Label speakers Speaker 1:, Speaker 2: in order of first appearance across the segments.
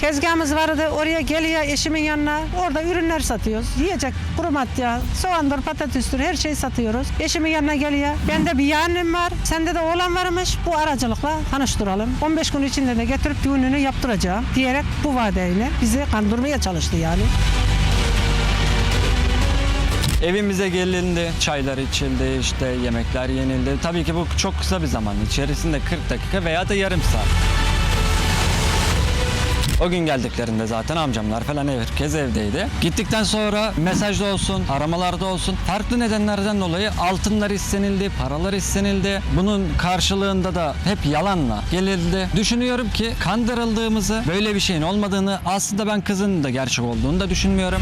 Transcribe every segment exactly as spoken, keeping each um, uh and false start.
Speaker 1: Tezgahımız vardı, oraya geliyor eşimin yanına. Orada ürünler satıyoruz. Yiyecek, kuru madde, soğandır, patatestir, her şeyi satıyoruz. Eşimin yanına geliyor. Bende bir yeğenim var, sende de oğlan varmış. Bu aracılıkla tanıştıralım. on beş gün içinde de getirip düğününü yaptıracağım diyerek bu vadeyle bizi kandırmaya çalıştı yani.
Speaker 2: Evimize gelindi, çaylar içildi, işte yemekler yenildi. Tabii ki bu çok kısa bir zaman içerisinde kırk dakika veya da yarım saat. O gün geldiklerinde zaten amcamlar falan herkes evdeydi. Gittikten sonra mesajda olsun, aramalarda olsun farklı nedenlerden dolayı altınlar istenildi, paralar istenildi. Bunun karşılığında da hep yalanla gelildi. Düşünüyorum ki kandırıldığımızı, böyle bir şeyin olmadığını, aslında ben kızın da gerçek olduğunu da düşünmüyorum.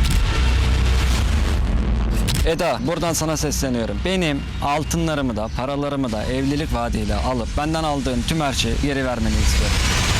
Speaker 2: Eda, buradan sana sesleniyorum. Benim altınlarımı da, paralarımı da evlilik vaadiyle alıp benden aldığın tüm her şeyi geri vermeni istiyorum.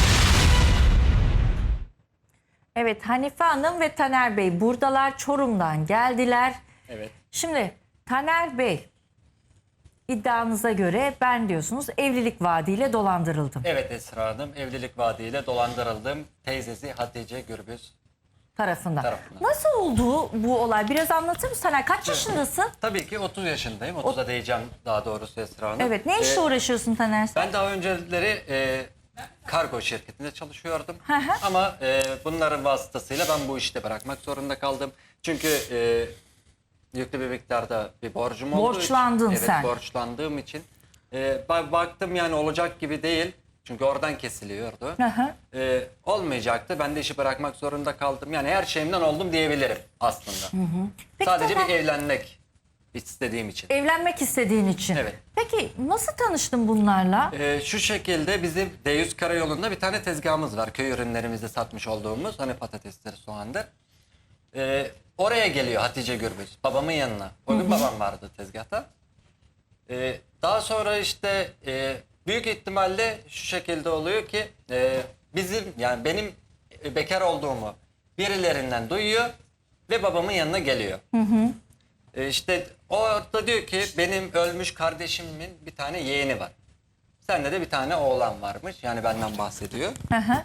Speaker 3: Evet, Hanife Hanım ve Taner Bey buradalar, Çorum'dan geldiler.
Speaker 2: Evet.
Speaker 3: Şimdi Taner Bey, iddianıza göre ben diyorsunuz evlilik vaadiyle dolandırıldım
Speaker 2: Evet Esra Hanım, evlilik vaadiyle dolandırıldım. Teyzesi Hatice Gürbüz
Speaker 3: tarafından.
Speaker 2: tarafından.
Speaker 3: Nasıl oldu bu olay? Biraz anlatır mısın Taner? Kaç yaşındasın?
Speaker 2: Tabii ki otuz yaşındayım. otuza diyeceğim daha doğrusu Esra Hanım.
Speaker 3: Evet, ne işle
Speaker 2: Ee,
Speaker 3: uğraşıyorsun Taner sen?
Speaker 2: Ben daha önceleri e, kargo şirketinde çalışıyordum.
Speaker 3: Hı hı.
Speaker 2: Ama e, bunların vasıtasıyla ben bu işte bırakmak zorunda kaldım. Çünkü e, yüklü bir miktarda bir borcum oldu.
Speaker 3: Borçlandın
Speaker 2: evet,
Speaker 3: sen.
Speaker 2: borçlandığım için. E, ba- baktım yani olacak gibi değil. Çünkü oradan kesiliyordu.
Speaker 3: Hı hı.
Speaker 2: E, olmayacaktı. Ben de işi bırakmak zorunda kaldım. Yani her şeyimden oldum diyebilirim aslında.
Speaker 3: Peki
Speaker 2: Sadece
Speaker 3: Taner-
Speaker 2: bir evlenmek istediğim için.
Speaker 3: Evlenmek istediğin için.
Speaker 2: Evet.
Speaker 3: Peki nasıl tanıştın bunlarla?
Speaker 2: Ee, şu şekilde bizim D yüz Karayolu'nda bir tane tezgahımız var. Köy ürünlerimizi satmış olduğumuz. Hani patatestir, soğandır. Ee, oraya geliyor Hatice Gürbüz. Babamın yanına. O gün babam vardı tezgahta. Ee, daha sonra işte e, büyük ihtimalle şu şekilde oluyor ki e, bizim yani benim e, bekar olduğumu birilerinden duyuyor ve babamın yanına geliyor. E, işte orada diyor ki benim ölmüş kardeşimin bir tane yeğeni var. Sende de bir tane oğlan varmış. Yani benden bahsediyor.
Speaker 3: Hı hı.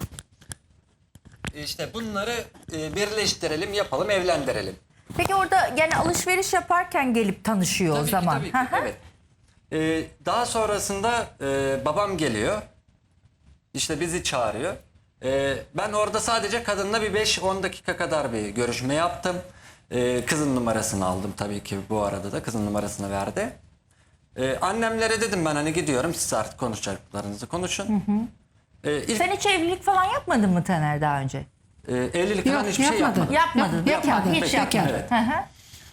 Speaker 2: İşte bunları e, birleştirelim, yapalım, evlendirelim.
Speaker 3: Peki orada yani alışveriş yaparken gelip tanışıyor o
Speaker 2: Tabii ki,
Speaker 3: zaman.
Speaker 2: tabii ki,
Speaker 3: Hı hı.
Speaker 2: evet. E, daha sonrasında e, babam geliyor. İşte bizi çağırıyor. E, ben orada sadece kadınla bir beş on dakika kadar bir görüşme yaptım. E, kızın numarasını aldım tabii ki, bu arada da kızın numarasını verdi. E, annemlere dedim ben hani gidiyorum, siz artık konuşacaklarınızı konuşun. E, ilk,
Speaker 3: Sen hiç evlilik falan yapmadın mı Taner daha önce?
Speaker 2: e, evlilik
Speaker 1: Yok,
Speaker 2: falan hiçbir şey
Speaker 1: yapmadım.
Speaker 2: yapmadım.
Speaker 3: Yapmadın.
Speaker 1: Yok,
Speaker 3: Bekar,
Speaker 1: yapmadım.
Speaker 3: hiç
Speaker 1: Bekar.
Speaker 3: yapmadın.
Speaker 2: Evet.
Speaker 3: Hı hı.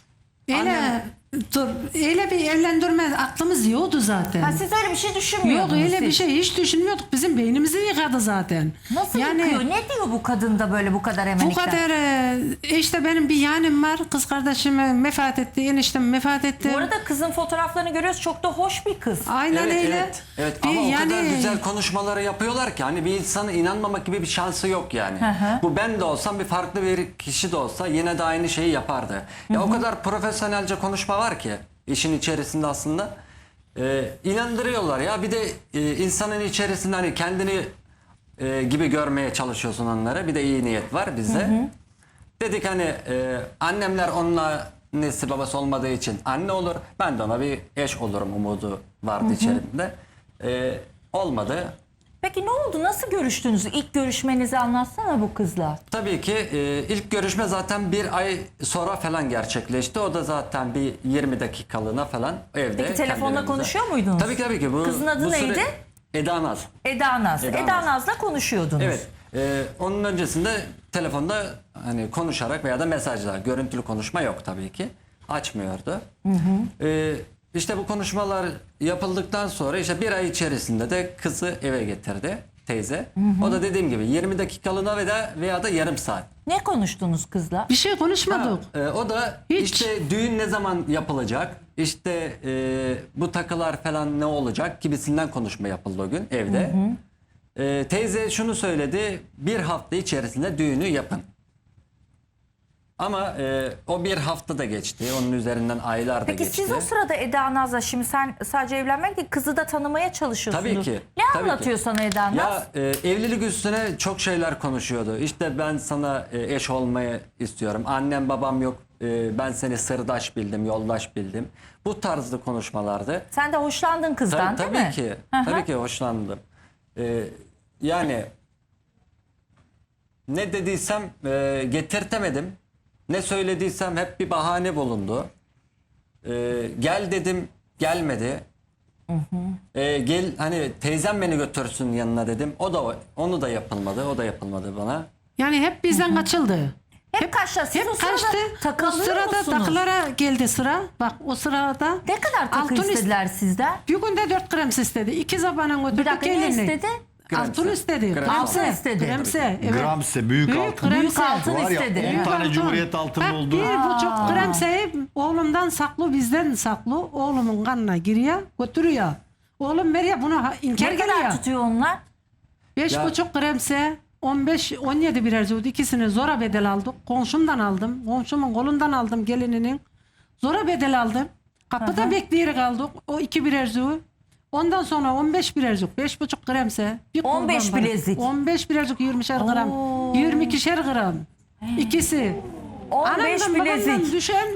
Speaker 1: Öyle, dur, öyle bir evlendirme aklımız yoktu zaten.
Speaker 3: Ha, siz öyle bir şey
Speaker 1: Yoktu,
Speaker 3: düşünmüyordunuz.
Speaker 1: öyle bir
Speaker 3: siz.
Speaker 1: şey hiç düşünmüyorduk. Bizim beynimizi yıkadı zaten.
Speaker 3: Nasıl yıkıyor? Ne diyor bu kadın da böyle bu kadar
Speaker 1: Bu
Speaker 3: emelikten?
Speaker 1: kadar e, işte benim bir yeğenim var. Kız kardeşim vefat etti. Eniştem vefat etti.
Speaker 3: Bu arada kızın fotoğraflarını görüyoruz. Çok da hoş bir kız.
Speaker 1: Aynen
Speaker 2: Evet,
Speaker 1: öyle.
Speaker 2: evet, evet.
Speaker 1: Bir
Speaker 2: Ama o
Speaker 1: yani-
Speaker 2: kadar güzel konuşmaları yapıyorlar ki hani bir insana inanmamak gibi bir şansı yok yani.
Speaker 3: hı.
Speaker 2: Bu ben de olsam, bir farklı bir kişi de olsa yine de aynı şeyi yapardı. Ya o kadar profesyonelce konuşma var ki işin içerisinde aslında. Ee, inandırıyorlar ya. Bir de e, insanın içerisinde hani kendini e, gibi görmeye çalışıyorsun onlara. Bir de iyi niyet var bizde. Dedik hani e, annemler onunla annesi babası olmadığı için anne olur. Ben de ona bir eş olurum umudu vardı içerimde. E, olmadı.
Speaker 3: Peki ne oldu? Nasıl görüştünüz? İlk görüşmenizi anlatsana bu kızla.
Speaker 2: Tabii ki e, ilk görüşme zaten bir ay sonra falan gerçekleşti. O da zaten bir yirmi dakikalığına falan evde.
Speaker 3: Peki telefonla
Speaker 2: kendi evimizde.
Speaker 3: konuşuyor muydunuz?
Speaker 2: Tabii ki, tabii ki. Bu,
Speaker 3: Kızın adı
Speaker 2: bu süre-
Speaker 3: neydi?
Speaker 2: Eda Naz.
Speaker 3: Eda Naz.
Speaker 2: Eda
Speaker 3: Eda,
Speaker 2: Naz.
Speaker 3: Naz'la konuşuyordunuz.
Speaker 2: Evet. E, onun öncesinde telefonda hani konuşarak veya da mesajla, görüntülü konuşma yok tabii ki. Açmıyordu. Hı hı. E, işte bu konuşmalar yapıldıktan sonra işte bir ay içerisinde de kızı eve getirdi teyze. Hı hı. O da dediğim gibi yirmi dakikalığına veya, veya da yarım saat.
Speaker 3: Ne konuştunuz kızla?
Speaker 1: Bir şey konuşmadık.
Speaker 2: Ha, e, o da
Speaker 1: Hiç.
Speaker 2: işte düğün ne zaman yapılacak, işte e, bu takılar falan ne olacak gibisinden konuşma yapıldı o gün evde. Hı hı. E, teyze şunu söyledi, bir hafta içerisinde düğünü yapın. Ama e, o bir hafta da geçti. Onun üzerinden aylar da
Speaker 3: Peki
Speaker 2: geçti.
Speaker 3: siz o sırada Eda Naz'la, şimdi sen sadece evlenmek değil, kızı da tanımaya çalışıyorsunuz.
Speaker 2: Tabii ki,
Speaker 3: Ne
Speaker 2: tabii
Speaker 3: anlatıyor
Speaker 2: ki.
Speaker 3: sana Eda Naz?
Speaker 2: Ya e, evlilik üstüne çok şeyler konuşuyordu. İşte ben sana e, eş olmayı istiyorum. Annem babam yok. E, ben seni sırdaş bildim, yoldaş bildim. Bu tarzda konuşmalardı.
Speaker 3: Sen de hoşlandın kızdan
Speaker 2: Tabii,
Speaker 3: değil
Speaker 2: tabii
Speaker 3: mi?
Speaker 2: ki.
Speaker 3: Hı hı.
Speaker 2: Tabii ki hoşlandım. E, yani ne dediysem e, getirtemedim. Ne söylediysem hep bir bahane bulundu. E, gel dedim, gelmedi. E, gel hani teyzem beni götürsün yanına dedim. O da onu da yapılmadı. O da yapılmadı bana.
Speaker 1: Yani hep bizden kaçıldı.
Speaker 3: Hep kaçta? Siz o
Speaker 1: Hep
Speaker 3: sırada
Speaker 1: kaçtı. O
Speaker 3: takılıyor
Speaker 1: sırada
Speaker 3: musunuz?
Speaker 1: takılara geldi sıra. Bak o sırada.
Speaker 3: Ne kadar takı
Speaker 1: altın
Speaker 3: istediler sizden?
Speaker 1: Bir günde dört gram istedi. İki zabanan götürdük.
Speaker 3: Bir dakika, ne
Speaker 1: gelinlik.
Speaker 3: istedi?
Speaker 1: Altın
Speaker 2: Gremse.
Speaker 1: istedi.
Speaker 2: Gremse.
Speaker 3: Altın istedi.
Speaker 1: Gremse. Evet.
Speaker 4: Gramse, büyük, altın.
Speaker 1: gremse.
Speaker 3: Büyük altın
Speaker 4: Var ya
Speaker 3: istedi.
Speaker 4: on
Speaker 3: Büyük
Speaker 4: tane
Speaker 1: altın.
Speaker 4: Cumhuriyet altını
Speaker 1: Bak,
Speaker 4: oldu.
Speaker 1: Bir buçuk gremseyi oğlumdan saklı, bizden saklı. Oğlumun kanına giriyor, götürüyor. Oğlum veriyor buna inkar
Speaker 3: Ne kadar
Speaker 1: geliyor.
Speaker 3: tutuyor onlar?
Speaker 1: Beş
Speaker 2: Ya-
Speaker 1: buçuk gremse, on beş, on yedi birer züğüt. İkisini zora bedel aldık. Komşumdan aldım. Komşumun kolundan aldım gelininin. Zora bedel aldım. Kapıda bekleyerek aldık. O iki birer züğüt. Ondan sonra on beş birer züğüt. Beş buçuk gremse. Bir
Speaker 3: on beş
Speaker 1: kurban parası.
Speaker 3: bilezik.
Speaker 1: on beş birer züğüt yirmişer gram.
Speaker 3: Oo.
Speaker 1: yirmi ikişer gram. İkisi.
Speaker 3: on beş
Speaker 1: Anamdan babamdan
Speaker 3: bilezik.
Speaker 1: düşen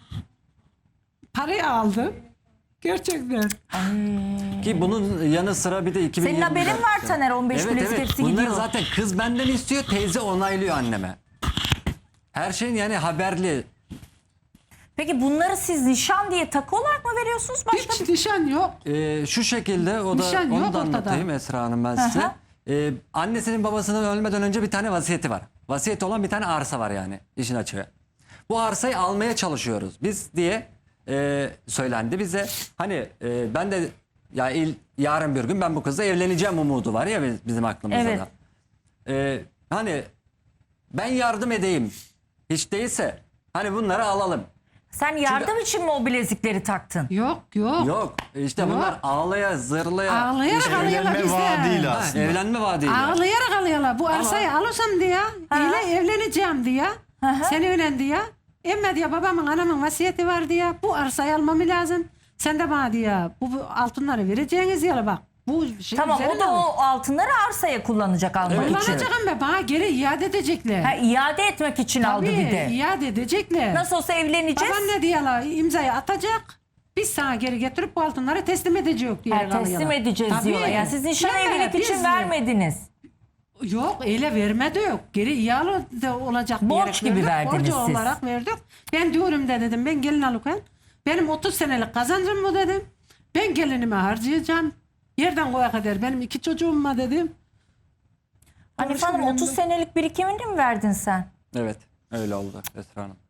Speaker 1: parayı aldım. Gerçekten.
Speaker 2: Ki bunun yanı sıra bir de iki bin yirmi
Speaker 3: Senin haberin var Taner, on beş
Speaker 2: evet,
Speaker 3: bilezik
Speaker 2: evet.
Speaker 3: hepsi
Speaker 2: Bunları
Speaker 3: gidiyor.
Speaker 2: zaten kız benden istiyor, teyze onaylıyor anneme. Her şeyin yani haberli.
Speaker 3: Peki bunları siz nişan diye takı olarak mı veriyorsunuz? Başka
Speaker 1: Hiç nişan yok.
Speaker 2: Ee, şu şekilde o da
Speaker 1: Nişan
Speaker 2: onu
Speaker 1: yok
Speaker 2: da
Speaker 1: ortada.
Speaker 2: anlatayım Esra Hanım ben size.
Speaker 3: Aha.
Speaker 2: Ee, annesinin babasının ölmeden önce bir tane vasiyeti var. Vasiyeti olan bir tane arsa var yani işin açığı. Bu arsayı almaya çalışıyoruz biz diye e, söylendi bize. Hani e, ben de ya il, yarın bir gün ben bu kızla evleneceğim umudu var ya biz- bizim aklımızda
Speaker 3: Evet.
Speaker 2: da. Ee, hani ben yardım edeyim hiç değilse hani bunları alalım.
Speaker 3: Sen yardım için mi o bilezikleri taktın?
Speaker 1: Yok yok.
Speaker 2: Yok işte
Speaker 1: Yok.
Speaker 2: bunlar ağlaya zırlaya
Speaker 1: Ağlayarak
Speaker 2: işte
Speaker 1: alıyorlar
Speaker 4: Evlenme
Speaker 1: bizde.
Speaker 4: vaadiyle
Speaker 2: Ha,
Speaker 4: aslında.
Speaker 2: evlenme vaadiyle.
Speaker 1: Ağlayarak alıyorlar. Bu arsayı alırsam diye, ile evleneceğim diye, sen evlen diye. Emme diye babamın anamın vasiyeti var diye, bu arsayı almam lazım. Sen de bana diye, bu, bu altınları vereceğiniz yere bak. Bu şey
Speaker 3: Tamam, o
Speaker 1: üzerine
Speaker 3: da
Speaker 1: al.
Speaker 3: o altınları arsaya kullanacak almak
Speaker 2: Evet.
Speaker 3: için.
Speaker 1: Kullanacak ama bana geri iade edecekler.
Speaker 3: Ha, iade etmek için aldı
Speaker 1: Tabii,
Speaker 3: bir de.
Speaker 1: iade edecekler.
Speaker 3: Nasıl olsa evleneceğiz.
Speaker 1: Baban ne diyorlar, imzayı atacak. Biz sana geri getirip bu altınları teslim edeceğiz diye
Speaker 3: Ha, teslim
Speaker 1: kalıyorlar.
Speaker 3: edeceğiz
Speaker 1: Tabii.
Speaker 3: diyorlar. Yani siz nişan
Speaker 1: Değil mi?
Speaker 3: evlilik için
Speaker 1: Biz-
Speaker 3: vermediniz.
Speaker 1: Yok öyle vermedi yok. Geri iade de olacak
Speaker 3: Borç
Speaker 1: diyerek
Speaker 3: gibi
Speaker 1: verdik.
Speaker 3: verdiniz
Speaker 1: Borcu
Speaker 3: siz.
Speaker 1: olarak verdik. Ben diyorum da dedim ben gelin alırken benim otuz senelik kazancım bu dedim. Ben gelinime harcayacağım. Yerden koya kadar benim iki çocuğum var dedim.
Speaker 3: Hanife Hanım,
Speaker 1: Konuşmayalım
Speaker 3: otuz
Speaker 1: da.
Speaker 3: senelik birikimini mi verdin sen?
Speaker 2: Evet öyle oldu Esra Hanım.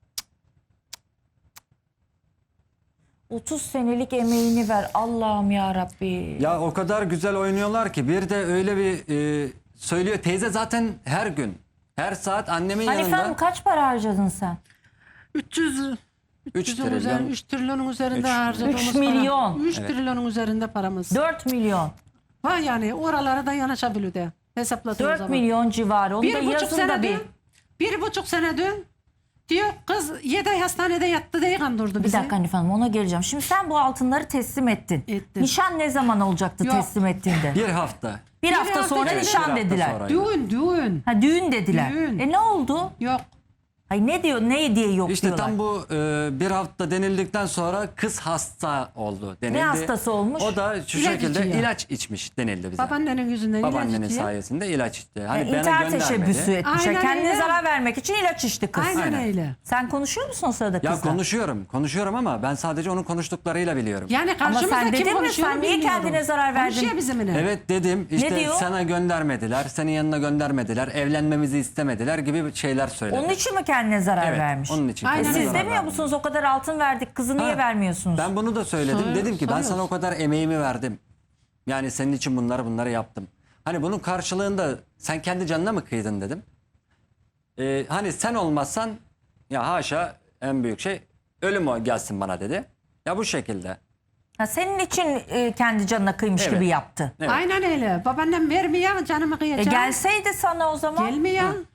Speaker 3: otuz senelik emeğini ver. Allah'ım ya Rabbi.
Speaker 2: Ya o kadar güzel oynuyorlar ki bir de öyle bir e, söylüyor teyze zaten her gün her saat annemin
Speaker 3: Hanife Hanım,
Speaker 2: yanında
Speaker 3: kaç para harcadın sen?
Speaker 1: üç yüz
Speaker 2: üç
Speaker 1: üç
Speaker 2: trilyon.
Speaker 1: üzerinde, üç trilyonun üzerinde
Speaker 2: Üç-
Speaker 1: harcadığımız
Speaker 3: Üç milyon.
Speaker 1: üç trilyonun üzerinde paramız.
Speaker 3: dört milyon.
Speaker 1: Var yani oralara da yanaşabiliyor de hesapladığım
Speaker 3: dört
Speaker 1: zaman.
Speaker 3: milyon civarı. Onu da
Speaker 1: Bir buçuk
Speaker 3: yazın da
Speaker 1: sene
Speaker 3: bir.
Speaker 1: dün, bir buçuk sene dün diyor kız yedi ay hastanede yattı diye kandırdı
Speaker 3: Bir
Speaker 1: bizi.
Speaker 3: dakika Hanife Hanım, ona geleceğim. Şimdi sen bu altınları teslim ettin.
Speaker 1: Ettim.
Speaker 3: Nişan ne zaman olacaktı
Speaker 1: Yok.
Speaker 3: teslim ettiğinde?
Speaker 2: Bir hafta.
Speaker 3: Bir, hafta,
Speaker 1: hafta
Speaker 3: sonra
Speaker 1: içinde.
Speaker 3: nişan
Speaker 2: Bir hafta
Speaker 3: dediler.
Speaker 2: sonra.
Speaker 1: Düğün düğün.
Speaker 3: Ha, düğün dediler.
Speaker 1: Düğün.
Speaker 3: E ne oldu?
Speaker 1: Yok.
Speaker 3: Ay ne diyor, ne diye yok
Speaker 2: İşte
Speaker 3: diyorlar.
Speaker 2: tam bu e, bir hafta denildikten sonra kız hasta oldu denildi.
Speaker 3: Ne hastası olmuş?
Speaker 2: O da şu
Speaker 1: İlaç
Speaker 2: şekilde
Speaker 1: içiyor.
Speaker 2: ilaç içmiş denildi bize.
Speaker 1: Babaannenin yüzünden ilaç
Speaker 2: Babaannenin
Speaker 1: içiyor.
Speaker 2: sayesinde ilaç içti. Hani
Speaker 3: Yani
Speaker 2: bana
Speaker 3: intihar
Speaker 2: göndermedi.
Speaker 3: teşebbüsü etmiş.
Speaker 1: Aynen
Speaker 3: Kendine
Speaker 1: öyle.
Speaker 3: zarar vermek için ilaç içti kız.
Speaker 1: Aynen,
Speaker 2: Aynen.
Speaker 1: öyle.
Speaker 3: Sen konuşuyor musun o sırada
Speaker 2: Ya
Speaker 3: kızla?
Speaker 2: konuşuyorum, konuşuyorum ama ben sadece onun konuştuklarıyla biliyorum.
Speaker 1: Yani
Speaker 3: Ama
Speaker 1: karşımızda
Speaker 3: sen
Speaker 1: kim
Speaker 3: dedin mi,
Speaker 1: konuşuyor
Speaker 3: sen niye
Speaker 1: bilmiyorum.
Speaker 3: kendine zarar verdin?
Speaker 1: Konuşuyor bizimle.
Speaker 2: Evet dedim işte
Speaker 3: diyor?
Speaker 2: sana göndermediler, senin yanına göndermediler, evlenmemizi istemediler gibi şeyler söyledi.
Speaker 3: Onun için mi kendine zarar
Speaker 2: evet,
Speaker 3: vermiş?
Speaker 2: onun için.
Speaker 1: Aynen
Speaker 3: E
Speaker 2: kendine
Speaker 3: siz
Speaker 1: öyle.
Speaker 2: zarar
Speaker 3: demiyor
Speaker 2: verdim.
Speaker 3: musunuz o kadar altın verdik, kızı niye
Speaker 2: Ha,
Speaker 3: vermiyorsunuz?
Speaker 2: Ben bunu da söyledim.
Speaker 1: Soruyor-
Speaker 2: dedim ki ben
Speaker 1: soruyoruz.
Speaker 2: sana o kadar emeğimi verdim. Yani senin için bunları bunları yaptım. Hani bunun karşılığında sen kendi canına mı kıydın dedim. Ee, hani sen olmazsan ya haşa en büyük şey ölüm o gelsin bana dedi. Ya bu şekilde.
Speaker 3: Ha, senin için e, kendi canına kıymış
Speaker 2: Evet.
Speaker 3: gibi yaptı.
Speaker 2: Evet.
Speaker 1: Aynen öyle. Babaannem vermiyor canımı
Speaker 3: E
Speaker 1: kıyacağım.
Speaker 3: gelseydi sana o zaman.
Speaker 1: Gelmiyor.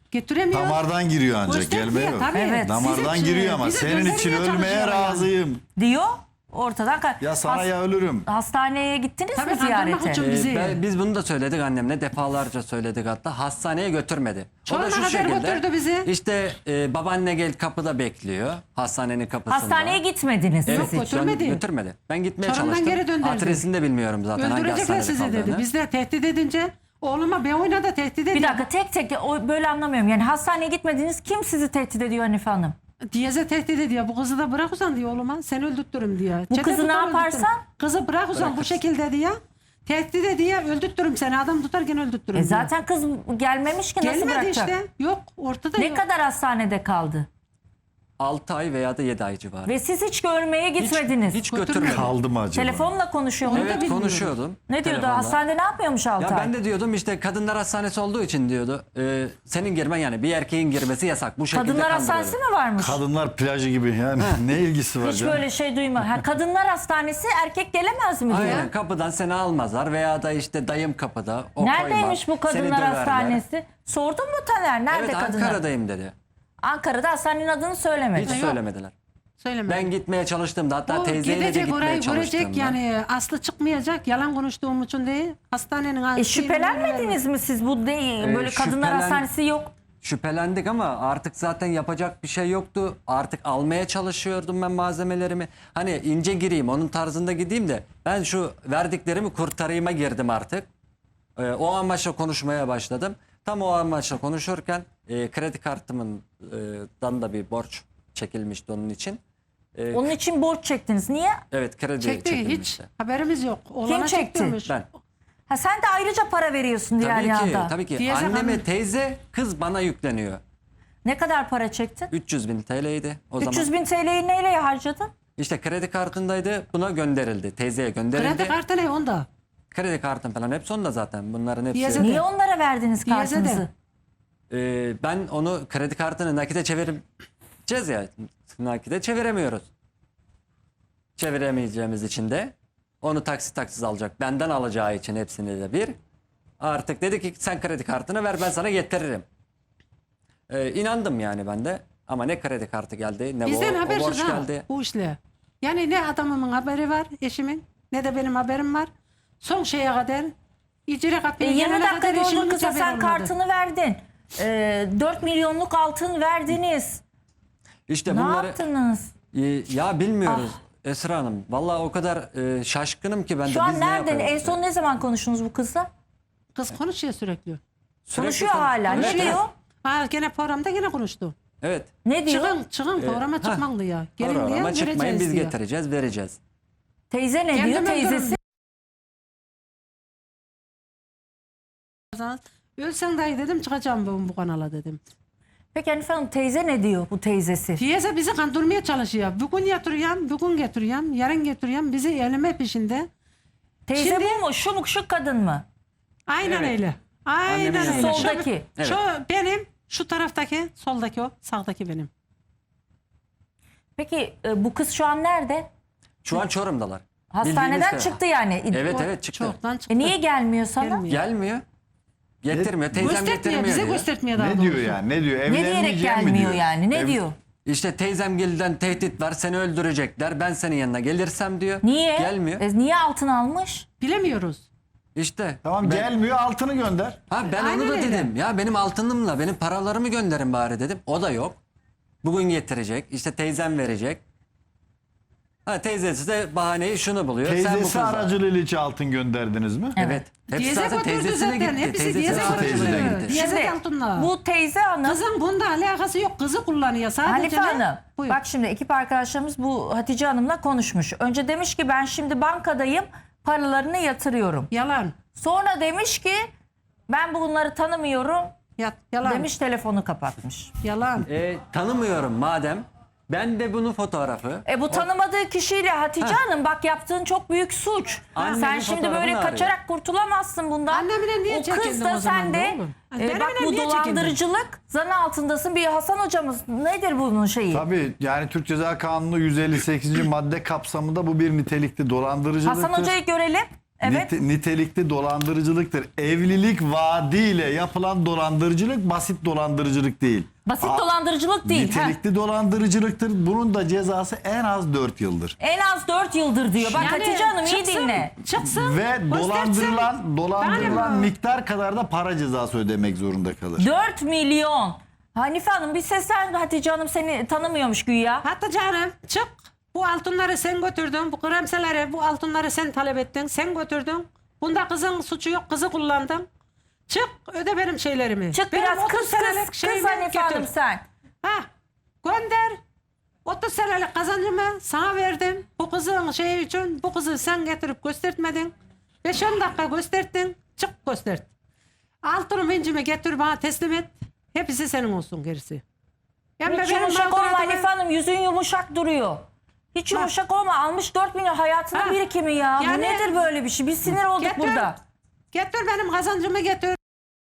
Speaker 1: Getiremiyor.
Speaker 4: Damardan giriyor ancak
Speaker 1: Göstermiyor,
Speaker 4: gelmeye yok.
Speaker 1: tabii.
Speaker 3: Evet.
Speaker 4: Damardan
Speaker 1: Bizim-
Speaker 4: giriyor ama
Speaker 1: bizi
Speaker 4: senin için
Speaker 1: göndermeye
Speaker 4: ölmeye
Speaker 1: çalışıyorlar yani.
Speaker 4: razıyım.
Speaker 3: Diyor. Ortadan ka-
Speaker 4: Ya sana
Speaker 3: Has-
Speaker 4: ya ölürüm.
Speaker 3: Hastaneye gittiniz
Speaker 1: Tabii,
Speaker 3: mi ziyarete?
Speaker 1: kandırmak için.
Speaker 2: Ee,
Speaker 1: Bizi-
Speaker 2: ben- biz bunu da söyledik annemle, defalarca söyledik, hatta hastaneye götürmedi.
Speaker 1: Çorum'a kadar götürdü bizi.
Speaker 2: İşte e, babaanne gel kapıda bekliyor, hastanenin kapısında.
Speaker 3: Hastaneye gitmediniz
Speaker 2: Evet,
Speaker 3: siz hiç.
Speaker 1: götürmedi.
Speaker 2: dön- götürmedi. Ben gitmeye
Speaker 1: Çorum'dan
Speaker 2: çalıştım.
Speaker 1: geri döndürdü.
Speaker 2: Adresini de bilmiyorum zaten hangi
Speaker 1: Öldürecekler
Speaker 2: hastanede
Speaker 1: sizi dedi.
Speaker 2: kaldığını.
Speaker 1: Biz de tehdit edince oğluma ben oynadı tehdit ediyor.
Speaker 3: Bir dakika tek tek o böyle anlamıyorum. Yani hastaneye gitmediniz. Kim sizi tehdit ediyor Hanife Hanım?
Speaker 1: Diyeze tehdit ediyor. Bu kızı da bırak uzan diyor oğluma. Seni öldürtürüm diyor.
Speaker 3: Bu
Speaker 1: Çete
Speaker 3: kızı ne
Speaker 1: tutar,
Speaker 3: yaparsan?
Speaker 1: öldürtürüm. Kızı bırak uzan bu
Speaker 2: Bırakırsın.
Speaker 1: şekilde diyor. Tehdit ediyor. Öldürtürüm seni. Adam tutarken öldürtürüm
Speaker 3: E
Speaker 1: diyor.
Speaker 3: zaten kız gelmemiş ki nasıl
Speaker 1: Gelmedi
Speaker 3: bırakacak?
Speaker 1: işte. Yok ortada
Speaker 3: Ne
Speaker 1: yok.
Speaker 3: kadar hastanede kaldı?
Speaker 2: altı ay veya da yedi ay civarı.
Speaker 3: Ve siz hiç görmeye gitmediniz.
Speaker 2: Hiç
Speaker 1: Götürmedi.
Speaker 2: götürmedi.
Speaker 4: Kaldı mı acaba?
Speaker 3: Telefonla konuşuyor mu?
Speaker 1: Onu da
Speaker 2: Evet,
Speaker 1: bilmiyorum.
Speaker 2: konuşuyordum.
Speaker 3: Ne diyordu?
Speaker 2: telefonla.
Speaker 3: Hastanede ne yapıyormuş altı
Speaker 2: Ya
Speaker 3: ay?
Speaker 2: ben de diyordum işte kadınlar hastanesi olduğu için diyordu. e, senin girmen, yani bir erkeğin girmesi yasak. Bu şekilde
Speaker 3: Kadınlar
Speaker 2: kandırıyordu.
Speaker 3: hastanesi mi varmış?
Speaker 4: Kadınlar plajı gibi yani ne ilgisi var
Speaker 3: Hiç
Speaker 4: canım?
Speaker 3: böyle şey duyma. Ha, kadınlar hastanesi erkek gelemez mi diyor.
Speaker 2: Aynen, kapıdan seni almazlar veya da işte dayım kapıda. O
Speaker 3: Neredeymiş
Speaker 2: koymaz,
Speaker 3: bu
Speaker 2: seni
Speaker 3: kadınlar
Speaker 2: döverler.
Speaker 3: hastanesi? Sordun mu Taner? Nerede
Speaker 2: Evet,
Speaker 3: kadınlar?
Speaker 2: Ankara'dayım dedi.
Speaker 3: Ankara'da hastanenin adını söylemedi.
Speaker 2: Hiç söylemediler.
Speaker 1: Söyleme.
Speaker 2: Ben gitmeye çalıştığımda, hatta
Speaker 1: O
Speaker 2: teyzeyle de
Speaker 1: gidecek
Speaker 2: gitmeye
Speaker 1: orayı
Speaker 2: çalıştığımda.
Speaker 1: görecek yani aslı çıkmayacak. Yalan konuştuğum için değil. Hastanenin
Speaker 3: E şüphelenmediniz mi siz? Bu değil.
Speaker 2: Ee,
Speaker 3: Böyle kadınlar
Speaker 2: şüphelen-
Speaker 3: hastanesi yok.
Speaker 2: Şüphelendik ama artık zaten yapacak bir şey yoktu. Artık almaya çalışıyordum ben malzemelerimi. Hani ince gireyim, onun tarzında gideyim de ben şu verdiklerimi kurtarayıma girdim artık. Ee, o amaçla konuşmaya başladım. Tam o amaçla konuşurken e, kredi kartımın e, dan da bir borç çekilmişti onun için. Ee,
Speaker 3: Onun için borç çektiniz. Niye?
Speaker 2: evet, kredi
Speaker 1: Çekti hiç
Speaker 2: çekilmişti.
Speaker 1: haberimiz yok. Oğlana
Speaker 3: çekti?
Speaker 1: çektiriyormuş.
Speaker 2: Ben.
Speaker 3: Ha sen de ayrıca para veriyorsun diğer
Speaker 2: Tabii ki,
Speaker 3: yanda.
Speaker 2: tabii ki.
Speaker 1: Diyeze
Speaker 2: Anneme
Speaker 1: hanım-
Speaker 2: teyze, kız bana yükleniyor.
Speaker 3: Ne kadar para çektin?
Speaker 2: üç yüz bin T L'ydi o
Speaker 3: üç yüz
Speaker 2: zaman.
Speaker 3: bin T L'yi neyle harcadın?
Speaker 2: İşte kredi kartındaydı, buna gönderildi. Teyzeye gönderildi.
Speaker 1: Kredi kartı ne onda?
Speaker 2: Kredi kartım falan hepsi onda zaten. Bunların hepsi.
Speaker 1: Diyeze de.
Speaker 3: Niye onlara verdiniz
Speaker 1: Diyeze de.
Speaker 3: kartınızı?
Speaker 2: Ee, ben onu kredi kartını nakite çevireceğiz ya. Nakite çeviremiyoruz. Çeviremeyeceğimiz için de onu taksit taksit alacak. Benden alacağı için hepsini de bir. Artık dedi ki sen kredi kartını ver, ben sana getiririm. Ee, inandım yani ben de. Ama ne kredi kartı geldi ne
Speaker 1: Bizden
Speaker 2: o, o borç
Speaker 1: habersiz ha
Speaker 2: geldi.
Speaker 1: bu işle. Yani ne adamımın haberi var eşimin ne de benim haberim var. Son şeye kadar icra
Speaker 3: E,
Speaker 1: kapıya
Speaker 3: yirmi
Speaker 1: gelene
Speaker 3: dakika
Speaker 1: kadar eşimin
Speaker 3: yolda
Speaker 1: hiç
Speaker 3: kısa
Speaker 1: haberi
Speaker 3: sen
Speaker 1: olmadı.
Speaker 3: kartını verdin. E, dört milyonluk altın verdiniz.
Speaker 2: İşte
Speaker 3: Ne
Speaker 2: bunları
Speaker 3: yaptınız?
Speaker 2: Ee, ya bilmiyoruz Esra Hanım. Vallahi o kadar e, şaşkınım ki ben de.
Speaker 3: Şu an
Speaker 2: biz ne
Speaker 3: nerede? En
Speaker 2: yapıyoruz?
Speaker 3: son ne zaman konuştunuz bu kızla?
Speaker 1: Kız konuşuyor sürekli.
Speaker 2: Sürekli
Speaker 3: Konuşuyor
Speaker 2: konu-
Speaker 3: hala. Ne
Speaker 2: Evet,
Speaker 3: diyor?
Speaker 2: evet.
Speaker 1: Ha gene programda gene konuştu.
Speaker 2: Evet.
Speaker 3: Ne diyor?
Speaker 1: Çıkın çıkın programa çıkmak diyor. Gelin diyor
Speaker 2: Programa çıkmayın,
Speaker 1: vereceğiz
Speaker 2: biz
Speaker 1: diyor.
Speaker 2: getireceğiz, vereceğiz.
Speaker 3: Teyze ne
Speaker 1: Kendim
Speaker 3: diyor?
Speaker 1: öldürürüm.
Speaker 3: Teyzesi.
Speaker 1: Ölsen dahi dedim çıkacağım bu, bu kanala dedim.
Speaker 3: Peki Hanife Hanım teyze ne diyor bu teyzesi?
Speaker 1: Teyze bizi kandırmaya çalışıyor. Bugün yatırıyorum, bugün getiriyorum, yarın getiriyorum. Bizi elime peşinde.
Speaker 3: Teyze
Speaker 1: Şimdi-
Speaker 3: bu mu? Şu mu? Şu kadın mı?
Speaker 1: Aynen
Speaker 2: Evet.
Speaker 1: öyle. Aynen
Speaker 2: Annemin
Speaker 1: öyle.
Speaker 2: yanında.
Speaker 1: Şu-
Speaker 3: Soldaki.
Speaker 2: Evet.
Speaker 1: Şu benim, şu taraftaki, soldaki o, sağdaki benim.
Speaker 3: Peki e, bu kız şu an nerede?
Speaker 2: Şu an Çorum'dalar.
Speaker 3: Hastaneden
Speaker 2: Bildiğiniz
Speaker 3: çıktı
Speaker 2: kadar.
Speaker 3: yani.
Speaker 2: Evet
Speaker 1: O
Speaker 2: evet çıktı.
Speaker 1: Çoktan çıktı.
Speaker 3: E niye gelmiyor sana?
Speaker 1: Gelmiyor.
Speaker 2: Gelmiyor. Getirmiyor. Teyzem
Speaker 1: Göstermiyor,
Speaker 2: getirmiyor
Speaker 1: bize
Speaker 2: diyor.
Speaker 1: göstermiyor daha
Speaker 4: Ne
Speaker 1: doğrusu.
Speaker 4: diyor yani ne diyor?
Speaker 3: Ne diyerek
Speaker 4: Evlenmeyeceğim mi
Speaker 3: gelmiyor
Speaker 4: diyor?
Speaker 3: yani? Ne
Speaker 4: Ev-
Speaker 3: diyor?
Speaker 2: İşte teyzemgilden tehdit var, seni öldürecekler. Ben senin yanına gelirsem diyor.
Speaker 3: Niye?
Speaker 2: Gelmiyor.
Speaker 3: E, niye altın almış?
Speaker 1: Bilemiyoruz.
Speaker 2: İşte.
Speaker 4: Tamam
Speaker 2: ben,
Speaker 4: gelmiyor altını gönder.
Speaker 2: Ha ben
Speaker 1: Aynen
Speaker 2: onu da
Speaker 1: öyle.
Speaker 2: dedim. Ya benim altınımla benim paralarımı gönderin bari dedim. O da yok. Bugün getirecek. İşte teyzem verecek. Ha teyzesi de bahaneyi şunu buluyor. Sen bu
Speaker 4: Teyzesi
Speaker 2: kızla.
Speaker 4: aracılığıyla hiç altın gönderdiniz mi?
Speaker 2: Evet. Hepsi
Speaker 1: Diyeze
Speaker 2: zaten
Speaker 1: götürdü
Speaker 2: teyzesine
Speaker 1: zaten.
Speaker 2: gitti.
Speaker 1: Hepsi
Speaker 2: Teyzesi
Speaker 1: diyeze
Speaker 2: aracılığıyla
Speaker 4: götürdü.
Speaker 2: gitti.
Speaker 1: Diyeze
Speaker 3: Şimdi
Speaker 1: altınla.
Speaker 3: bu teyze hanım
Speaker 1: Kızın bunda alakası yok. Kızı kullanıyor sadece.
Speaker 3: Hanife
Speaker 1: ne?
Speaker 3: Hanım
Speaker 1: Buyur.
Speaker 3: bak şimdi ekip arkadaşlarımız bu Hatice Hanım'la konuşmuş. Önce demiş ki ben şimdi bankadayım paralarını yatırıyorum.
Speaker 1: Yalan.
Speaker 3: Sonra demiş ki ben bunları tanımıyorum
Speaker 1: Yat, yalan.
Speaker 3: demiş telefonu kapatmış.
Speaker 1: Yalan.
Speaker 2: E, tanımıyorum madem. Ben de bunun fotoğrafı.
Speaker 3: E bu tanımadığı kişiyle Hatice Hanım bak yaptığın çok büyük suç.
Speaker 2: Annemin
Speaker 3: Sen şimdi
Speaker 2: fotoğrafını
Speaker 3: böyle
Speaker 2: arıyor.
Speaker 3: kaçarak kurtulamazsın bundan.
Speaker 1: Annemine niye
Speaker 3: O kız
Speaker 1: çekindin
Speaker 3: da
Speaker 1: o zaman
Speaker 3: sen
Speaker 1: da
Speaker 3: de
Speaker 1: oğlum?
Speaker 3: e,
Speaker 1: Benimle
Speaker 3: bak bu
Speaker 1: niye çekindin?
Speaker 3: dolandırıcılık zan altındasın. Bir Hasan hocamız nedir bunun şeyi?
Speaker 4: Tabii yani Türk Ceza Kanunu yüz elli sekizinci madde kapsamında bu bir nitelikli dolandırıcılıktır.
Speaker 3: Hasan hocayı görelim. Evet.
Speaker 4: Nite- nitelikli dolandırıcılıktır. Evlilik vaadiyle yapılan dolandırıcılık basit dolandırıcılık değil.
Speaker 3: Basit
Speaker 4: A-
Speaker 3: dolandırıcılık değil. Ha.
Speaker 4: Nitelikli dolandırıcılıktır. Bunun da cezası en az dört yıldır.
Speaker 3: En az dört yıldır diyor. Bak
Speaker 1: Yani
Speaker 3: Hatice Hanım iyi
Speaker 1: çıksın,
Speaker 3: dinle.
Speaker 1: Çıksın.
Speaker 4: Ve
Speaker 1: göstersin.
Speaker 4: dolandırılan dolandırılan
Speaker 1: Yani bu-
Speaker 4: miktar kadar da para cezası ödemek zorunda kalır.
Speaker 3: dört milyon. Hanife Hanım bir seslen, Hatice Hanım seni tanımıyormuş güya.
Speaker 1: Hatta canım çık. Bu altınları sen götürdün. Bu kremseleri, bu altınları sen talep ettin. Sen götürdün. Bunda kızın suçu yok. Kızı kullandın. Çık öde benim şeylerimi.
Speaker 3: Çık
Speaker 1: Benim
Speaker 3: biraz
Speaker 1: otuz
Speaker 3: kız
Speaker 1: senelik
Speaker 3: kız kız
Speaker 1: şeyimi
Speaker 3: Hanife
Speaker 1: götür.
Speaker 3: Hanım sen.
Speaker 1: Ha, gönder. otuz senelik kazancımı sana verdim. Bu kızın şeyi için bu kızı sen getirip göstertmedin. beş on dakika gösterdin. Çık göstert. Altını vincimi getir bana teslim et. Hepsi senin olsun gerisi. Hem de
Speaker 3: Hiç
Speaker 1: benim
Speaker 3: yumuşak olma
Speaker 1: mağduriyetime-
Speaker 3: Hanife Hanım, yüzün yumuşak duruyor. Hiç yumuşak olma, almış dört milyon hayatının
Speaker 1: Ha.
Speaker 3: birikimi ya. Bu
Speaker 1: Yani-
Speaker 3: nedir böyle bir şey? Biz sinir olduk
Speaker 1: Getir.
Speaker 3: burada.
Speaker 1: Getir benim kazancımı getir.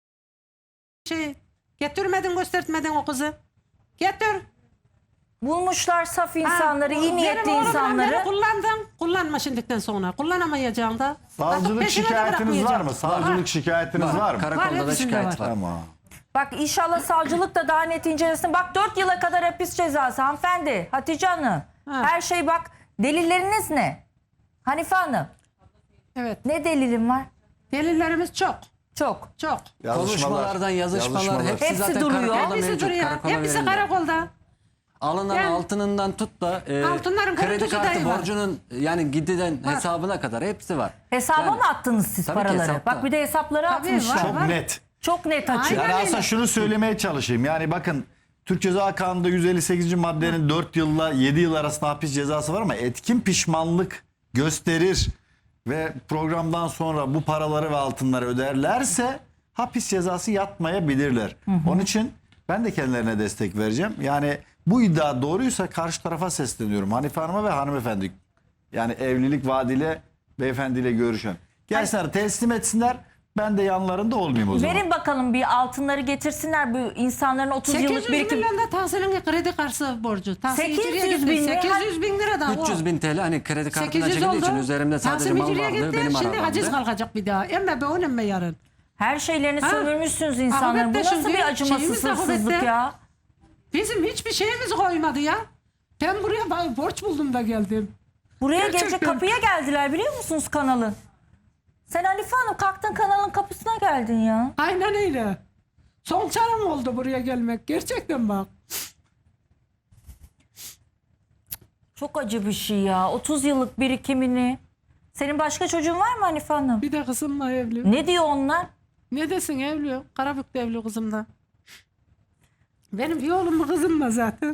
Speaker 1: Şey, getirmedin göstertmedin o kızı. Getir.
Speaker 3: Bulmuşlar saf
Speaker 1: Ha,
Speaker 3: insanları, iyi
Speaker 1: benim
Speaker 3: niyetli
Speaker 1: oğlumla
Speaker 3: insanları.
Speaker 1: Beni kullandın. Kullanma şimdiden sonra. Kullanamayacağım da. Artık
Speaker 4: Savcılık
Speaker 1: peşine de
Speaker 4: şikayetiniz var
Speaker 1: bırakmayacağım.
Speaker 4: mı? Savcılık şikayetiniz var, mı?
Speaker 2: Karakolda da
Speaker 1: hepsinde
Speaker 2: şikayet
Speaker 1: var.
Speaker 2: var.
Speaker 4: Tamam.
Speaker 3: Bak inşallah savcılık da daha net incelesin. Bak dört yıla kadar hapis cezası hanımefendi. Hatice Hanım.
Speaker 1: Ha.
Speaker 3: Her şey bak. Delilleriniz ne? Hanife Hanım.
Speaker 1: Evet.
Speaker 3: Ne delilim var?
Speaker 1: Delillerimiz çok.
Speaker 3: Çok.
Speaker 1: Çok.
Speaker 2: Konuşmalardan yazışmalar,
Speaker 4: yazışmalar.
Speaker 2: hepsi,
Speaker 3: Hepsi
Speaker 2: zaten
Speaker 3: duruyor.
Speaker 2: karakolda
Speaker 1: Hepsi
Speaker 2: mevcut.
Speaker 1: duruyor.
Speaker 2: Karakola
Speaker 1: Hepsi
Speaker 2: verildi.
Speaker 1: karakolda.
Speaker 2: Alınan
Speaker 1: Yani-
Speaker 2: altınından tut da e,
Speaker 1: Altınların
Speaker 2: kredi
Speaker 1: korkutucu
Speaker 2: kartı
Speaker 1: dahi var.
Speaker 2: borcunun yani giden hesabına kadar hepsi var.
Speaker 3: Hesaba
Speaker 2: Yani-
Speaker 3: mı attınız siz
Speaker 2: Tabii ki
Speaker 3: paraları?
Speaker 2: hesapta.
Speaker 3: Bak bir de hesapları
Speaker 1: Tabii,
Speaker 3: atmışlar.
Speaker 1: var.
Speaker 3: Çok,
Speaker 4: Çok net.
Speaker 3: net açık.
Speaker 1: Aynen.
Speaker 4: Yani
Speaker 1: öyle.
Speaker 4: aslında şunu söylemeye çalışayım. Yani bakın Türk Ceza Kanunu'nda yüz elli sekizinci maddenin dört yılla yedi yıl arasında hapis cezası var ama etkin pişmanlık gösterir ve programdan sonra bu paraları ve altınları öderlerse hapis cezası yatmayabilirler. Onun için ben de kendilerine destek vereceğim. Yani bu iddia doğruysa karşı tarafa sesleniyorum. Hanife Hanım'a ve hanımefendi. Yani evlilik vaadiyle beyefendiyle görüşen. Gelsinler teslim etsinler. Ben de yanlarında olmayayım o zaman.
Speaker 3: Verin bakalım bir altınları getirsinler bu insanların otuz
Speaker 1: sekiz
Speaker 3: yıllık
Speaker 1: yüz
Speaker 3: birikim.
Speaker 1: milyon da Tahsin'in kredi kartı borcu. Tahsin
Speaker 3: sekiz yüz
Speaker 1: İciri'ye gitti.
Speaker 3: bin lira.
Speaker 1: sekiz yüz bin lira da o.
Speaker 2: üç yüz bin T L hani kredi kartına
Speaker 1: sekiz yüz
Speaker 2: çekildiği
Speaker 1: oldu.
Speaker 2: için üzerimde sadece
Speaker 1: Tahsin
Speaker 2: mal
Speaker 1: İciri'ye
Speaker 2: vardı
Speaker 1: gitti.
Speaker 2: benim
Speaker 1: Şimdi
Speaker 2: arabamdı.
Speaker 1: haciz kalkacak bir daha. Emme be on emme yarın.
Speaker 3: Her şeylerini
Speaker 1: Ha?
Speaker 3: sömürmüşsünüz insanların. Bu
Speaker 1: Ahmet de
Speaker 3: nasıl
Speaker 1: şimdi
Speaker 3: bir acımasız
Speaker 1: şeyimiz de
Speaker 3: hırsızlık
Speaker 1: Ahmet'te.
Speaker 3: ya?
Speaker 1: Bizim hiçbir şeyimiz koymadı ya. Ben buraya ba- borç buldum da geldim.
Speaker 3: Buraya
Speaker 1: Gerçekten.
Speaker 3: gelecek kapıya geldiler biliyor musunuz kanalın? Sen Hanife Hanım kalktın kanalın kapısına geldin ya.
Speaker 1: Aynen öyle. Son çarem oldu buraya gelmek. Gerçekten bak.
Speaker 3: Çok acı bir şey ya. otuz yıllık birikimini. Senin başka çocuğun var mı Hanife Hanım?
Speaker 1: Bir de kızımla evli.
Speaker 3: Ne diyor onlar?
Speaker 1: Ne desin evli? Karabük'te evli kızım da. Benim bir oğlum mu kızım da zaten.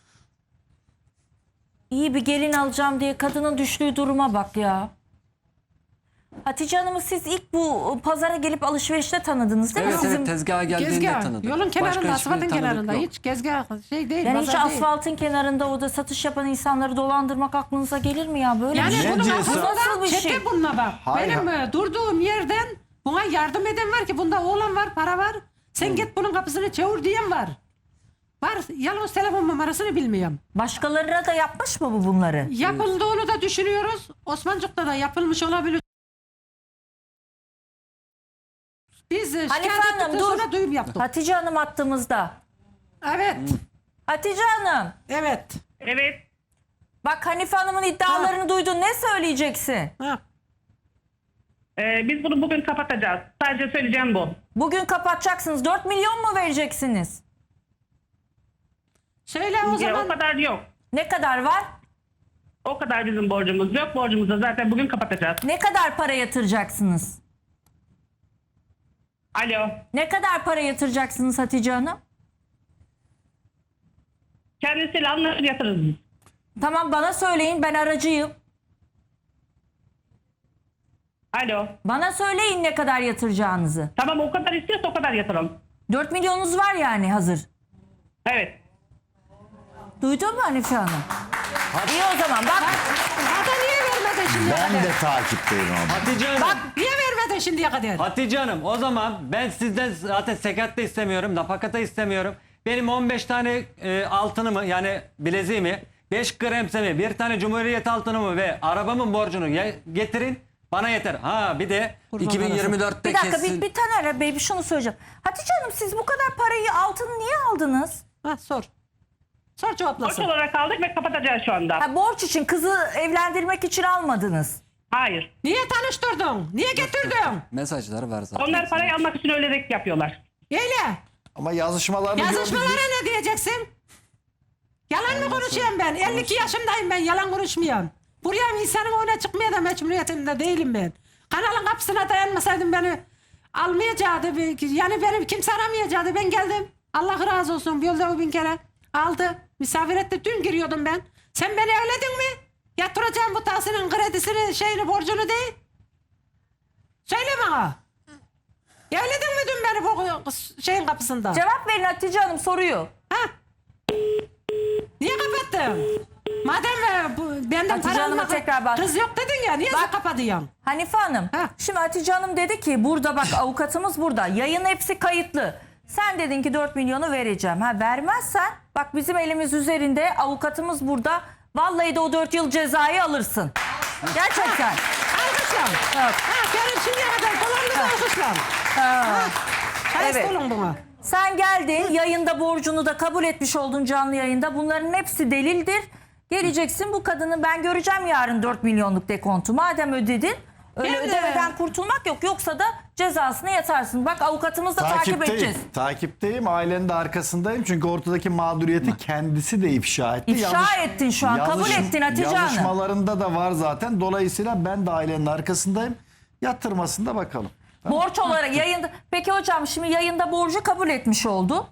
Speaker 3: İyi bir gelin alacağım diye kadının düştüğü duruma bak ya. Hatice Hanım'ı siz ilk bu pazara gelip alışverişte tanıdınız değil
Speaker 2: Evet
Speaker 3: mi? Sizin
Speaker 2: evet tezgaha geldiğinde
Speaker 1: Gezgah.
Speaker 2: tanıdım.
Speaker 1: Yolun
Speaker 2: Başka
Speaker 1: kenarında,
Speaker 2: hiçbir
Speaker 1: asfaltın
Speaker 2: tanıdık
Speaker 1: kenarında.
Speaker 2: yok.
Speaker 1: Hiç gezgah şey değil.
Speaker 3: yani hiç
Speaker 1: pazar değil.
Speaker 3: asfaltın kenarında orada satış yapan insanları dolandırmak aklınıza gelir mi ya? Böyle
Speaker 1: Yani
Speaker 3: bir şey.
Speaker 1: bunun
Speaker 4: ceza?
Speaker 1: aslında
Speaker 3: Nasıl bir
Speaker 1: çete
Speaker 3: şey?
Speaker 1: bununla bak.
Speaker 4: Hayır.
Speaker 1: Benim e, durduğum yerden buna yardım eden var ki bunda oğlan var, para var. Sen git bunun kapısını çevir diyen var. Var. Yalnız telefon numarasını bilmiyorum.
Speaker 3: Başkalarına da yapmış mı bu bunları?
Speaker 1: Yapıldığını da düşünüyoruz. Osmancık'ta da yapılmış olabilir. Biz e,
Speaker 3: Hanife
Speaker 1: şikayet
Speaker 3: Hanım,
Speaker 1: ettikten
Speaker 3: dur.
Speaker 1: sonra duyum yaptık.
Speaker 3: Hatice Hanım attığımızda.
Speaker 1: Evet.
Speaker 3: Hatice Hanım.
Speaker 1: Evet.
Speaker 5: Evet.
Speaker 3: Bak Hanife Hanım'ın iddialarını duydun. Ne söyleyeceksin?
Speaker 1: Ha.
Speaker 5: Ee, biz bunu bugün kapatacağız. Sadece söyleyeceğim bu.
Speaker 3: Bugün kapatacaksınız. dört milyon mu vereceksiniz?
Speaker 1: Söyle o
Speaker 5: Ya,
Speaker 1: zaman.
Speaker 5: o kadar yok.
Speaker 3: Ne kadar var?
Speaker 5: O kadar bizim borcumuz yok. Borcumuzu da zaten bugün kapatacağız.
Speaker 3: Ne kadar para yatıracaksınız?
Speaker 5: Alo.
Speaker 3: Ne kadar para yatıracaksınız Hatice Hanım?
Speaker 5: Kendisiyle anlaşır yatırırız biz.
Speaker 3: Tamam bana söyleyin, ben aracıyım.
Speaker 5: Alo.
Speaker 3: Bana söyleyin ne kadar yatıracağınızı.
Speaker 5: Tamam, o kadar istiyorsa o kadar yatıralım.
Speaker 3: dört milyonunuz var yani hazır.
Speaker 5: Evet.
Speaker 3: Duydun mu Hanife Hanım? İyi o zaman bak.
Speaker 1: Hatta niye vermedin şimdiye
Speaker 4: Ben
Speaker 1: kadar?
Speaker 4: de takipteyim abi.
Speaker 2: Hatice Hanım.
Speaker 1: Bak niye vermedin şimdiye kadar?
Speaker 2: Hatice Hanım o zaman ben sizden zaten sekat da istemiyorum, nafakata istemiyorum. Benim on beş tane e, altınımı yani bileziğimi, beş kremsemi, bir tane Cumhuriyet altınımı ve arabamın borcunu ye- getirin. Bana yeter. Ha bir de
Speaker 1: Kurban
Speaker 2: iki bin yirmi dörtte
Speaker 3: Bir dakika
Speaker 2: kesin.
Speaker 3: bir, bir Taner Bey bir şunu söyleyeceğim. Hatice Hanım siz bu kadar parayı altını niye aldınız?
Speaker 1: Ha, sor. Sor
Speaker 5: Borç
Speaker 1: cevaplasın.
Speaker 5: olarak aldık ve kapatacağız şu anda.
Speaker 3: Ha, borç için kızı evlendirmek için almadınız.
Speaker 5: Hayır.
Speaker 1: Niye tanıştırdın? Niye getirdin?
Speaker 2: Mesajları var zaten.
Speaker 5: Onlar parayı almak için öyle yapıyorlar.
Speaker 1: Öyle.
Speaker 4: Ama yazışmalarını
Speaker 1: Yazışmalara
Speaker 4: gördük.
Speaker 1: ne diyeceksin? Yalan mı konuşuyorum ben? elli iki yaşındayım ben. Yalan konuşmuyorum. Buraya insanın önüne çıkmaya da mecburiyetinde değilim ben. Kanalın kapısına dayanmasaydım beni almayacaktı. Yani beni kimse aramayacaktı. Ben geldim. Allah razı olsun. Yolda o bin kere aldı. Misafir etti. Dün giriyordum ben. Sen beni evledin mi? Yatıracağım bu tahsilin kredisini, şeyini, borcunu değil. Söyle bana. Evledin mi dün beni bu şeyin kapısında?
Speaker 3: Cevap verin Hatice Hanım soruyu.
Speaker 1: Ha? Niye kapattın? Madem e, bu, benden
Speaker 3: Hatice
Speaker 1: para
Speaker 3: Hanım'a
Speaker 1: almak
Speaker 3: tekrar bak.
Speaker 1: kız yok dedin ya, niye
Speaker 3: Bak.
Speaker 1: kapatıyorsun?
Speaker 3: Hanife Hanım.
Speaker 1: Ha.
Speaker 3: Şimdi Hatice Hanım dedi ki burada bak avukatımız burada. Yayın hepsi kayıtlı. Sen dedin ki dört milyonu vereceğim. Ha vermezsen bak bizim elimiz üzerinde avukatımız burada. Vallahi de o dört yıl cezayı alırsın. Gerçekten.
Speaker 1: Alkışlam.
Speaker 3: Evet.
Speaker 1: Ha, benim şimdiye kadar dolandı alkışlam.
Speaker 3: Ha.
Speaker 1: Hayır
Speaker 3: Evet.
Speaker 1: olun buna.
Speaker 3: Sen geldin yayında borcunu da kabul etmiş oldun canlı yayında. Bunların hepsi delildir. Geleceksin bu kadını ben göreceğim yarın dört milyonluk dekontu. Madem ödedin öyle
Speaker 1: Ben de-
Speaker 3: ödemeden kurtulmak yok. Yoksa da cezasını yatarsın. Bak avukatımız da takip
Speaker 4: Takipteyim.
Speaker 3: edeceğiz.
Speaker 4: Takipteyim. Ailenin de arkasındayım. Çünkü ortadaki mağduriyeti kendisi de ifşa etti.
Speaker 3: İfşa ettin şu an, kabul ettin Hatice Hanım.
Speaker 4: Yazışmalarında da var zaten. Dolayısıyla ben de ailenin arkasındayım. Yatırmasında bakalım.
Speaker 3: Borç olarak yayında. Peki hocam şimdi yayında borcu kabul etmiş oldu.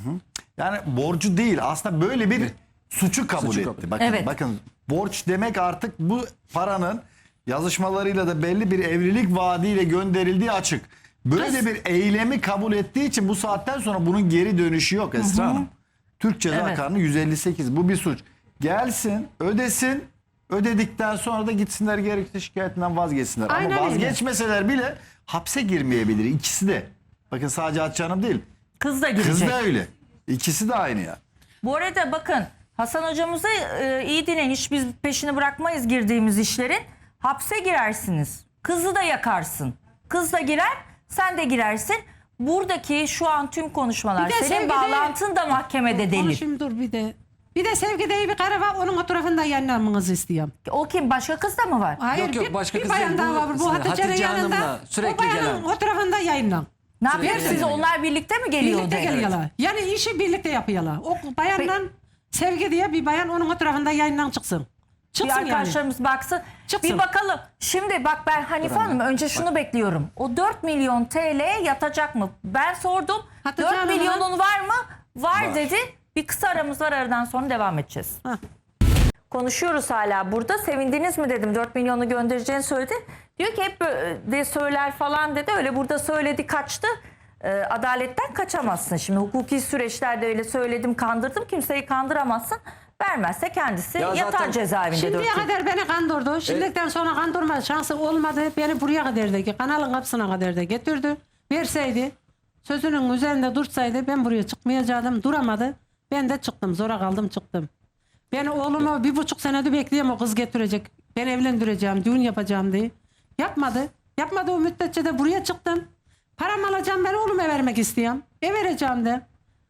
Speaker 4: Yani borcu değil. Aslında böyle bir suçu kabul
Speaker 2: Suçu
Speaker 4: etti.
Speaker 2: kabul.
Speaker 4: Bakın,
Speaker 3: Evet.
Speaker 4: bakın borç demek artık bu paranın yazışmalarıyla da belli bir evlilik vaadiyle gönderildiği açık. Böyle bir eylemi kabul ettiği için bu saatten sonra bunun geri dönüşü yok Esra Hanım. Türk Ceza
Speaker 3: Evet.
Speaker 4: Kanunu yüz elli sekiz bu bir suç. Gelsin, ödesin, ödedikten sonra da gitsinler gerekli şikayetinden vazgeçsinler.
Speaker 1: Aynen
Speaker 4: Ama
Speaker 1: öyle.
Speaker 4: vazgeçmeseler bile hapse girmeyebilir ikisi de. Bakın sadece Hatice Hanım değil.
Speaker 3: Kız da girecek.
Speaker 4: Kız da öyle. İkisi de aynı ya.
Speaker 3: Bu arada bakın Hasan hocamızı e, iyi dinleyin. Hiç biz peşini bırakmayız girdiğimiz işlerin. Hapse girersiniz. Kızı da yakarsın. Kız da girer, sen de girersin. Buradaki şu an tüm konuşmalar,
Speaker 1: Bir de
Speaker 3: senin
Speaker 1: sevgide-
Speaker 3: bağlantın da mahkemede delil.
Speaker 1: Konuşayım dur bir de. Bir de Sevgi diye bir karı var, onun fotoğrafını da yayınlamanızı istiyorum.
Speaker 3: O kim? Başka kız da mı var?
Speaker 1: Hayır,
Speaker 2: Yok, yok,
Speaker 1: bir,
Speaker 2: başka
Speaker 1: bir
Speaker 2: kız
Speaker 1: bayan
Speaker 2: değil.
Speaker 1: daha
Speaker 2: Bu
Speaker 1: var. Bu Hatice'nin
Speaker 2: Hatice
Speaker 1: yanında.
Speaker 2: Hanım'la sürekli
Speaker 1: o bayanın
Speaker 2: gelen.
Speaker 1: fotoğrafını da yayınlan.
Speaker 3: Ne
Speaker 2: Sürekli
Speaker 3: yapıyorsunuz?
Speaker 2: gelen.
Speaker 3: Onlar birlikte mi geliyor?
Speaker 1: Birlikte
Speaker 3: odaya?
Speaker 1: geliyorlar. Yani işi birlikte yapıyorlar. O bayanla Sevgi diye bir bayan onun fotoğrafında yayından çıksın.
Speaker 3: Bir
Speaker 1: Çıksın yani.
Speaker 3: arkadaşlarımız baksın.
Speaker 1: Çıksın.
Speaker 3: Bir bakalım. Şimdi bak ben Hanife
Speaker 2: Dur
Speaker 3: Hanım
Speaker 2: anne.
Speaker 3: önce şunu bekliyorum. O dört milyon T L yatacak mı? Ben sordum.
Speaker 1: Hatice
Speaker 3: dört
Speaker 1: Hanım'a-
Speaker 3: milyonun var mı? Var,
Speaker 4: Var.
Speaker 3: dedi. Bir kısa aramız var, aradan sonra devam edeceğiz.
Speaker 1: Hah.
Speaker 3: Konuşuyoruz hala burada. Sevindiniz mi dedim. dört milyonu göndereceğini söyledi. Diyor ki hep de söyler falan dedi. Öyle burada söyledi kaçtı. Ee, adaletten kaçamazsın. Şimdi hukuki süreçlerde öyle söyledim kandırdım. Kimseyi kandıramazsın. Vermezse kendisi
Speaker 2: Ya
Speaker 3: yatar
Speaker 2: zaten
Speaker 3: cezaevinde dört
Speaker 1: Şimdiye
Speaker 3: yıl.
Speaker 1: kadar beni kandırdı. Şimdiden sonra kandırma şansı olmadı. Beni buraya kadar da kanalın kapısına kadar da getirdi. Verseydi, sözünün üzerinde dursaydı ben buraya çıkmayacaktım. Duramadı. Ben de çıktım. Zora kaldım çıktım. Ben oğlumu bir buçuk senedir bekleyeyim o kız getirecek. Ben evlendireceğim, düğün yapacağım diye. Yapmadı. Yapmadı o müddetçe de buraya çıktım. Paramı alacağım, ben oğluma vermek istiyorum. E vereceğim de.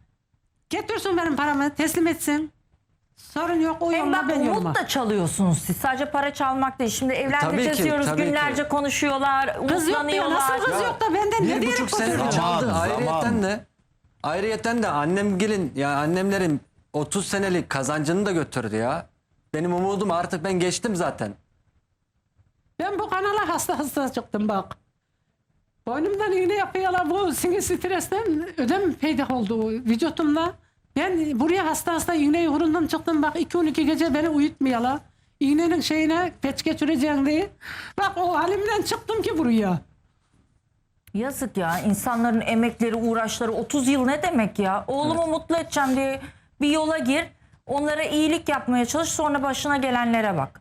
Speaker 1: Getirsin benim paramı, teslim etsin. Sorun yok, o
Speaker 3: Hem
Speaker 1: yoluna
Speaker 3: bak
Speaker 1: ben yoluma.
Speaker 3: umut da çalıyorsunuz siz. Sadece para çalmak değil. Şimdi evlendireceğiz
Speaker 2: Tabii ki,
Speaker 3: diyoruz.
Speaker 2: tabii ki.
Speaker 3: Günlerce konuşuyorlar.
Speaker 1: Kız yok diyor.
Speaker 3: Umutlanıyorlar.
Speaker 1: Nasıl kız yok da benden ne
Speaker 2: Bir
Speaker 1: diyerek
Speaker 2: buçuk sene
Speaker 1: götürüyor?
Speaker 4: Zaman,
Speaker 2: çaldı.
Speaker 4: zaman.
Speaker 2: Ayrıyeten de ayrıyeten de annem gelin ya annemlerin otuz senelik kazancını da götürdü ya. Benim umudum artık ben geçtim zaten.
Speaker 1: Ben bu kanala hasta hasta çıktım bak. Boynumdan iğne yapıyorlar, bu sinir stresten ödem peydah oldu vücutumda. Ben buraya hasta hasta iğneyi vurundum çıktım bak, iki on iki gece beni uyutmuyorlar. İğnenin şeyine peç geçireceğim diye. Bak o halimden çıktım ki buraya.
Speaker 3: Yazık ya, insanların emekleri, uğraşları otuz yıl ne demek ya? Oğlumu mutlu edeceğim diye bir yola gir. Onlara iyilik yapmaya çalış, sonra başına gelenlere bak.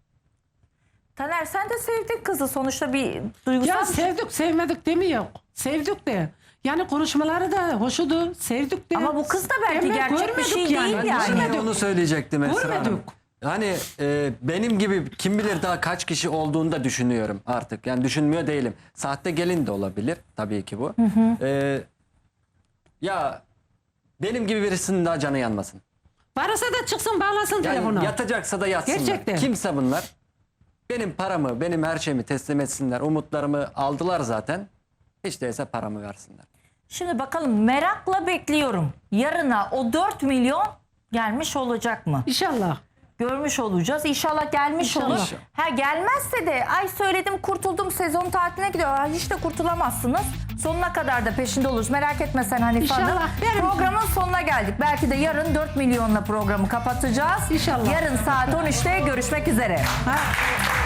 Speaker 3: Taner sen de sevdin kızı, sonuçta bir duygusal
Speaker 1: Ya
Speaker 3: bir şey.
Speaker 1: sevdik sevmedik demiyor. Sevdik de. Yani konuşmaları da hoşudu. Sevdik de.
Speaker 3: Ama bu kız da belki
Speaker 1: Ama
Speaker 3: gerçek bir
Speaker 1: görmedik
Speaker 3: şey değil
Speaker 2: Ben
Speaker 3: yani.
Speaker 2: şimdi onu söyleyecektim Esra Hanım.
Speaker 1: Görmedik.
Speaker 2: Hani e, benim gibi kim bilir daha kaç kişi olduğunu da düşünüyorum artık. Yani düşünmüyor değilim. Sahte gelin de olabilir tabii ki bu. E, ya benim gibi birisinin daha canı yanmasın.
Speaker 1: Varsa da çıksın bağlasın
Speaker 2: Yani
Speaker 1: telefonu.
Speaker 2: yatacaksa da yatsınlar.
Speaker 1: Gerçekten.
Speaker 2: Kimse bunlar. Benim paramı, benim her şeyimi teslim etsinler. Umutlarımı aldılar zaten. Hiç değilse paramı versinler.
Speaker 3: Şimdi bakalım, merakla bekliyorum. Yarına o dört milyon gelmiş olacak mı?
Speaker 1: İnşallah.
Speaker 3: Görmüş olacağız. İnşallah gelmiş
Speaker 1: İnşallah.
Speaker 3: olur. Ha gelmezse de ay söyledim kurtuldum sezon tatiline gidiyor. Ay, hiç de kurtulamazsınız. Sonuna kadar da peşinde oluruz. Merak etme sen Hanife Hanım.
Speaker 1: İnşallah. Benim-
Speaker 3: Programın sonuna geldik. Belki de yarın dört milyonla programı kapatacağız.
Speaker 1: İnşallah.
Speaker 3: Yarın saat on üçte görüşmek üzere.
Speaker 1: Ha.